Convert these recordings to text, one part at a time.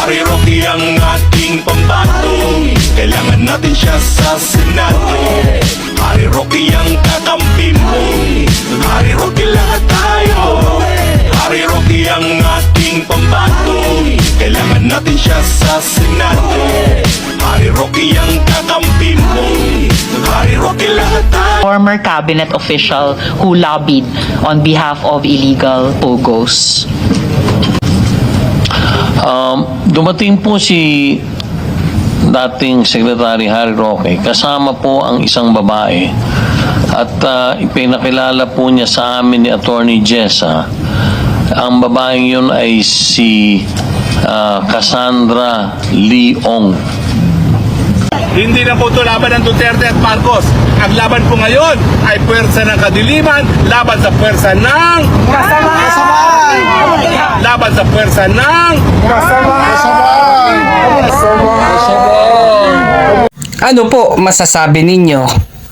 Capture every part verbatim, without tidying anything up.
Harry Roque ang ating pambato, kailangan natin siya sa Senado. Harry Roque ang kakampi mo, Harry Roque lahat tayo. Harry Roque ang ating pambato, kailangan natin siya sa Senado. Harry Roque ang kakampi mo, Harry Roque lahat tayo. Former cabinet official who lobbied on behalf of illegal pogos. Um, dumating po si dating Secretary Harry Roque, kasama po ang isang babae at uh, ipinakilala po niya sa amin ni Attorney Jessa. Ang babaeng yun ay si uh, Cassandra Leong. Hindi na po ito laban ng Duterte at Marcos. Ang laban po ngayon ay puwersa ng kadiliman, laban sa puwersa ng kasamaan. Laban sa puwersa ng kasamaan. Ano po masasabi ninyo?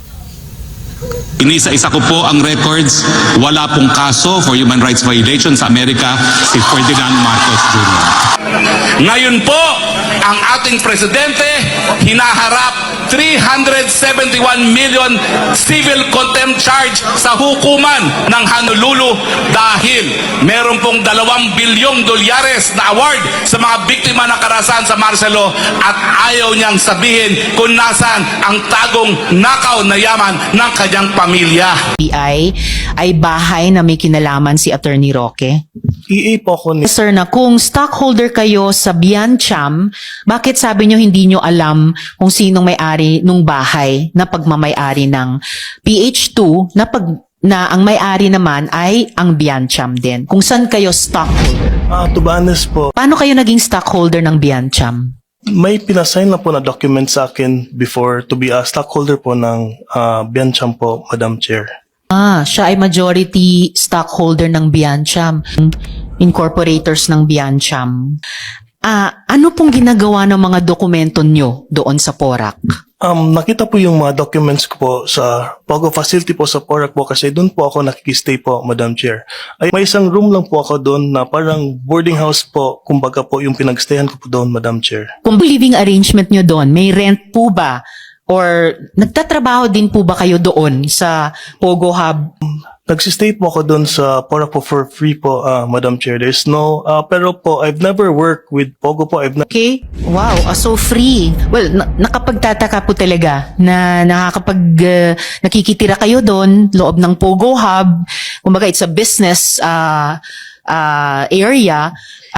Inisa-isa ko po ang records. Wala pong kaso for human rights violation sa Amerika si Ferdinand Marcos Junior Ngayon po, ang ating presidente hinaharap three hundred seventy-one million civil contempt charge sa hukuman ng Honolulu dahil meron pong dalawang bilyong dolyares na award sa mga biktima ng karahasan sa Marcelo at ayaw niyang sabihin kung nasaan ang tagong nakaw na yaman ng kanyang pamilya. B I ay bahay na may kinalaman si Attorney Roque. E A po ako ni... Sir, na kung stockholder kayo sa Biancham, bakit sabi nyo hindi nyo alam kung sinong may-ari nung bahay na pagmamay-ari ng P H two na, pag, na ang may-ari naman ay ang Biancham din? Kung saan kayo stockholder? Ah, to be honest po, Paano kayo naging stockholder ng Biancham? may pinasign na po na document sa akin before to be a stockholder po ng uh, Biancham po, Madam Chair. Ah, siya ay majority stockholder ng Biancham, incorporators ng Biancham. Ah, ano pong ginagawa ng mga dokumento nyo doon sa Porac? Um, nakita po yung mga documents ko po sa Pogo facility po sa Porac po kasi doon po ako nakikistay po, Madam Chair. Ay, may isang room lang po ako doon na parang boarding house po, kumbaga po yung pinagstayan ko po doon, Madam Chair. Kung living arrangement nyo doon, may rent po ba? Or nagtatrabaho din po ba kayo doon sa Pogo Hub? Nagsistay po ako doon sa Porac po for free po, uh, Madam Chair. There's no, uh, pero po, I've never worked with Pogo po. I've never... Okay? Wow, ah, so free. Well, na- nakapagtataka po talaga na nakakapag, uh, nakikitira kayo doon, loob ng Pogo Hub. Kumbaga, it's a business uh, uh, area.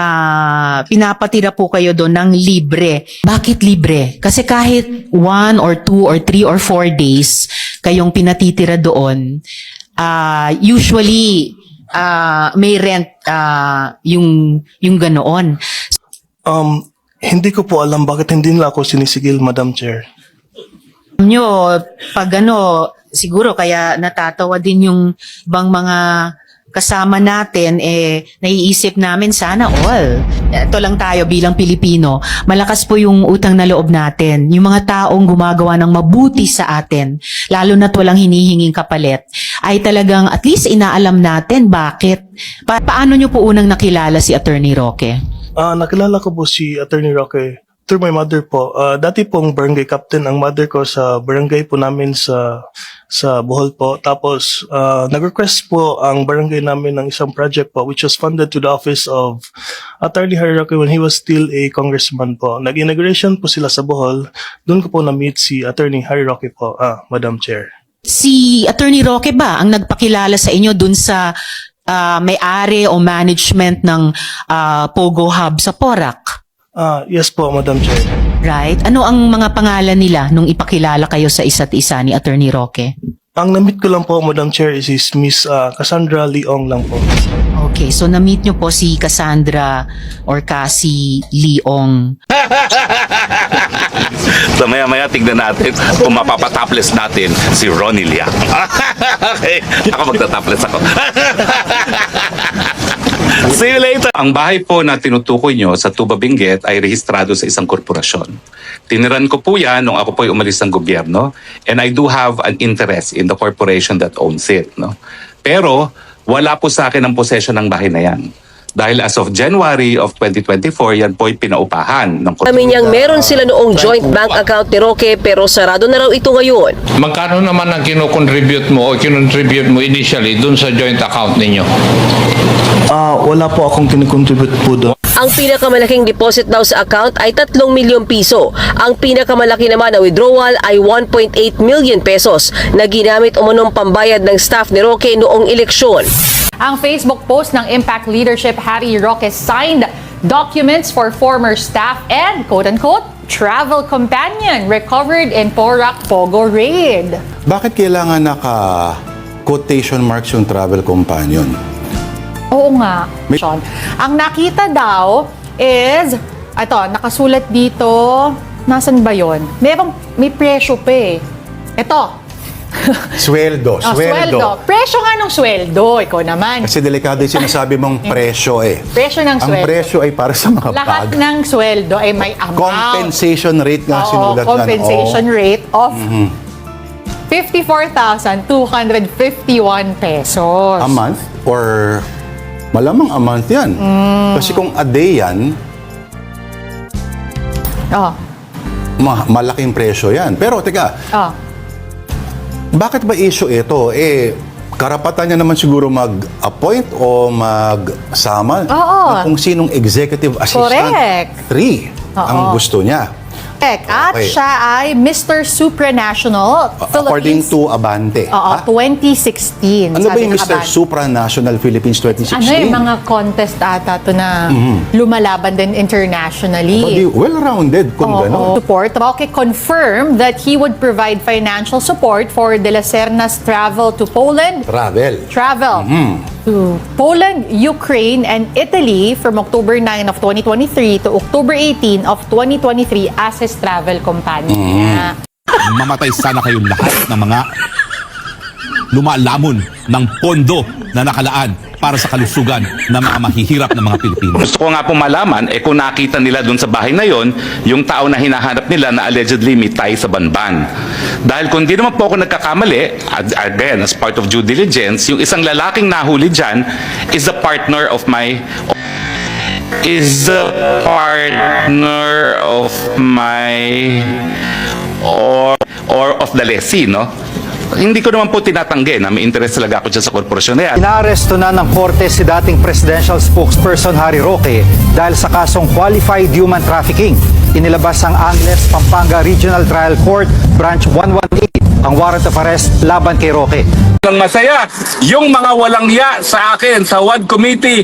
Uh, pinapatira po kayo doon ng libre. Bakit libre? Kasi kahit one or two or three or four days kayong pinatitira doon, uh, usually uh, may rent uh, yung, yung ganoon. Um, hindi ko po alam bakit hindi nila ako sinisigil, Madam Chair. Alam nyo, pag ano, siguro kaya natatawa din yung ibang mga kasama natin, eh, naiisip namin sana all. Ito lang tayo bilang Pilipino. Malakas po yung utang na loob natin. Yung mga taong gumagawa ng mabuti sa atin, lalo na't walang hinihinging kapalit, ay talagang at least inaalam natin bakit. Pa- paano nyo po unang nakilala si Attorney Roque? Ah, nakilala ko po si Attorney Roque through my mother po. Ah, dati pong barangay captain ang mother ko sa barangay po namin sa sa Bohol po. Tapos ah, nag-request po ang barangay namin ng isang project po which was funded to the office of Attorney Harry Roque when he was still a congressman po. Nag-inauguration po sila sa Bohol. Doon ko po na-meet si Attorney Harry Roque po, ah, Madam Chair. Si Attorney Roque ba ang nagpakilala sa inyo dun sa ah, may-ari o management ng ah, Pogo Hub sa Porac? Ah, yes po, Madam Chair. Right? Ano ang mga pangalan nila nung ipakilala kayo sa isa't isa ni Attorney Roque? Ang na-meet ko lang po, Madam Chair, is, is Miss ah, Cassandra Leong lang po. Okay, so na-meet nyo po si Cassandra or Cassie Leong. So maya-maya tignan natin kung mapapatopless natin si Ronnie Liang. Okay, ako magtatopless ako. See you later. Ang bahay po na tinutukoy nyo sa Tuba Benguet ay rehistrado sa isang korporasyon. Tiniran ko po yan nung ako po ay umalis ng gobyerno and I do have an interest in the corporation that owns it. No? Pero wala po sa akin ang possession ng bahay na yan. Dahil as of January of twenty twenty-four, yan po ay pinaupahan ng Amin niyang meron sila noong joint bank account ni Roque pero sarado na raw ito ngayon. Magkano naman ang kinocontribute mo o kinontribute mo initially dun sa joint account ninyo? Ah, wala po akong kinikontribute po doon. Ang pinakamalaking deposit daw sa account ay tatlong milyong piso. Ang pinakamalaki naman na withdrawal ay one point eight million pesos na ginamit umunong pambayad ng staff ni Roque noong eleksyon. Ang Facebook post ng Impact Leadership Harry Roque signed documents for former staff and quote-unquote travel companion recovered in Porac Pogo raid. Bakit kailangan naka-quotation marks yung travel companion? Oo nga. Sean. Ang nakita daw is, ito, nakasulat dito, nasan ba yon? Merong, may presyo pa eh. Ito. Sweldo, Oh, sweldo. Presyo nga ng sweldo, ikaw naman. Kasi delikado yung sinasabi mong presyo eh. Presyo ng Ang sweldo. presyo ay para sa mga Lahat bag. ng sweldo ay may amount. Compensation rate nga Oo, sinulat na. compensation rate of fifty-four thousand two hundred fifty-one pesos. A month or malamang a month yan. Mm. Kasi kung a day yan, Oh, ma- malaking presyo yan. Pero teka, oh. bakit ba issue ito? Eh, karapatan niya naman siguro mag-appoint o magsama Oo. ng kung sinong executive assistant. Correct. Three ang Oo. gusto niya. At Okay. siya ay Mister Supranational According Philippines. to Abante. Oo, Ha? twenty sixteen. Ano ba sabi yung ng Mister Abante. Supranational Philippines twenty Ano sixteen? yung mga contest ata to na lumalaban din internationally. Badi, well-rounded kung Oo. gano'n. Support. Roque confirmed that he would provide financial support for De La Serna's travel to Poland, Travel. travel to Poland, Ukraine, and Italy from October ninth of twenty twenty-three to October eighteenth of twenty twenty-three as his travel companion niya. Mamatay sana kayong lahat ng mga lumalamon ng pondo na nakalaan para sa kalusugan ng mga mahihirap na mga Pilipino. Gusto ko nga po malaman, eh kung nakita nila doon sa bahay na yon, yung tao na hinahanap nila na allegedly may tie sa banban. Dahil kung di naman po ako nagkakamali, ag- again, as part of due diligence, yung isang lalaking nahuli dyan is the partner of my is the partner of my or or of the lessee, no? Hindi ko naman po tinatanggi na may interest talaga ako dyan sa korporasyon na yan. Inaaresto na ng korte si dating presidential spokesperson Harry Roque dahil sa kasong qualified human trafficking. Inilabas ang Angeles, Pampanga Regional Trial Court Branch one eighteen ang warrant of arrest laban kay Roque. Ang masaya, yung mga walang ya sa akin sa W A D committee,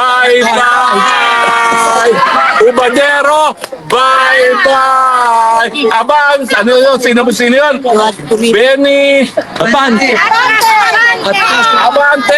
bye-bye! Ubadero, bye-bye! Abang, ano yun? Sino sino yun? Benny, Abante! Abante,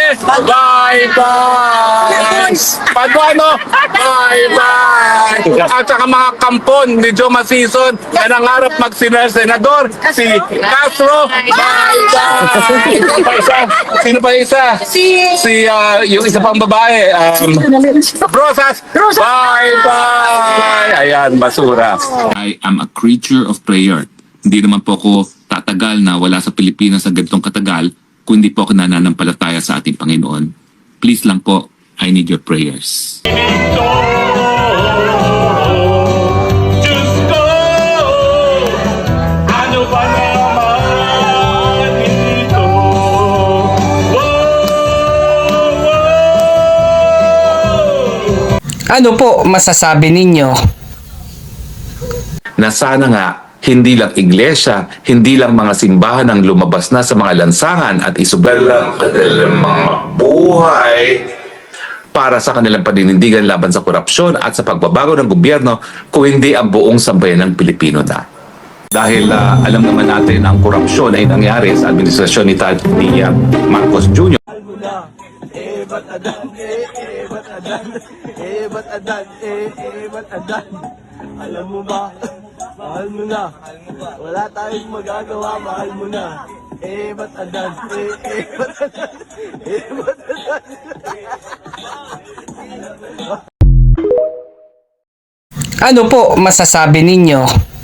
bye-bye! Paduano, bye-bye! At saka mga kampon ni Joe Masison na nangarap mag-senador, si Castro, bye-bye! Sino pa isa? Sino pa isa? Si, ah, yung isa pang babae, um, Rosas, bye-bye! Ayan, basura. I am a creature of prayer. Hindi naman po ako tatagal na wala sa Pilipinas sa ganitong katagal kung hindi po ako nananampalataya sa ating Panginoon. Please lang po, I need your prayers. Diyos ko, ano ba naman ito? Ano po masasabi ninyo? Na sana nga hindi lang iglesia, hindi lang mga simbahan ang lumabas na sa mga lansangan at isugal lang kanilang mga buhay para sa kanilang paninindigan laban sa korupsyon at sa pagbabago ng gobyerno, kung hindi ang buong sambayan ng Pilipino na. Dahil ah, alam naman natin ang korupsyon ay nangyari sa administrasyon ni, Tad- ni ah, Marcos Junior Eh, ba't adan? Eh, eh, ba't adan? Eh, ba't adan? Eh, eh, ba't adan? Alam mo ba? Mahal mo na. Wala tayong magagawa, mahal mo na. Eh, ba't adan? Eh, eh, ba't adan? Eh, ba't adan? Ano po masasabi ninyo?